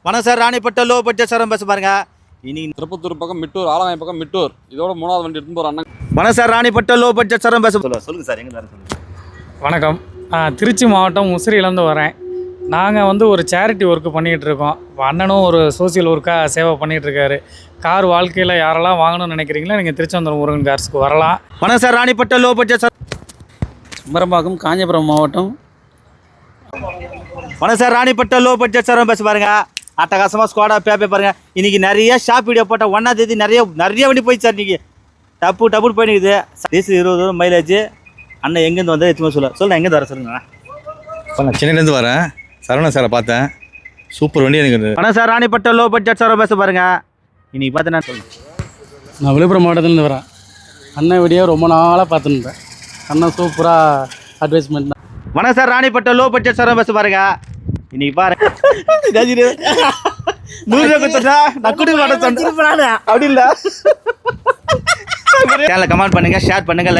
வணக்கம் sir, Ranipet low budget sir பேச பாருங்க. இன்னைக்கு திருப்பத்தூர் பக்கம் மிட்டூர், ஆலங்காய் பக்கம் மிட்டூர், இதோட 3வது வண்டி எடுத்து போகிற அண்ணன். வணக்கம் sir, Ranipet low budget sir பேச சொல்லுங்கள் சார். எங்கே சொல்லுங்கள். வணக்கம். திருச்சி மாவட்டம் முசிறியிலேருந்து வரேன். நாங்கள் ஒரு சேரிட்டி ஒர்க்கு பண்ணிகிட்ருக்கோம். இப்போ அண்ணனும் ஒரு சோசியல் ஒர்க்காக சேவை பண்ணிகிட்ருக்காரு. கார் வாழ்க்கையில் யாரெல்லாம் வாங்கணும்னு நினைக்கிறீங்களோ நீங்கள் திருச்செந்தூர் முருகன் கார்ஸ்க்கு வரலாம். வணக்கம் sir, Ranipet low budget sir. Kumarambakkam, Kanchipuram மாவட்டம். வணக்கம் sir, Ranipet low budget sir பேச பாருங்க. அட்டகாசமாக ஸ்குவாடாக பேப்பே பாருங்கள். இன்றைக்கி நிறைய ஷாப் வீடியோ போட்டால் 1ஆம் தேதி நிறைய வண்டி போயிடுச்சு சார். இன்றைக்கி டப்புன்னு போயிடுக்குது. Diesel 20 mileage. அண்ணன் எங்கேருந்து வந்தால் எத்துமே சொல்ல எங்கேருந்து வர சொல்லுங்கண்ணா. இப்போ நான் சென்னையிலேருந்து வரேன். சரவணன் சாரை பார்த்தேன். சூப்பர் வண்டி எனக்கு. வணக்கம் sir, Ranipet low budget sir பேச பாருங்கள். இன்றைக்கி பார்த்தேன்னா சொல்லுங்கள். நான் விழுப்புரம் மாவட்டத்துலேருந்து வரேன். அண்ணன் வீடியோ ரொம்ப நாளாக பார்த்துருந்தேன். அண்ணன் சூப்பராக அட்வைஸ்மெண்ட் தான். வணக்கம் sir, Ranipet low budget sir பேச பாருங்க. இன்னைக்கு பாருங்க 100 ரூபா கொடுத்தா நான் குடுக்க மாட்டேன் அப்படி இல்லை. கமெண்ட் பண்ணுங்க, ஷேர் பண்ணுங்க.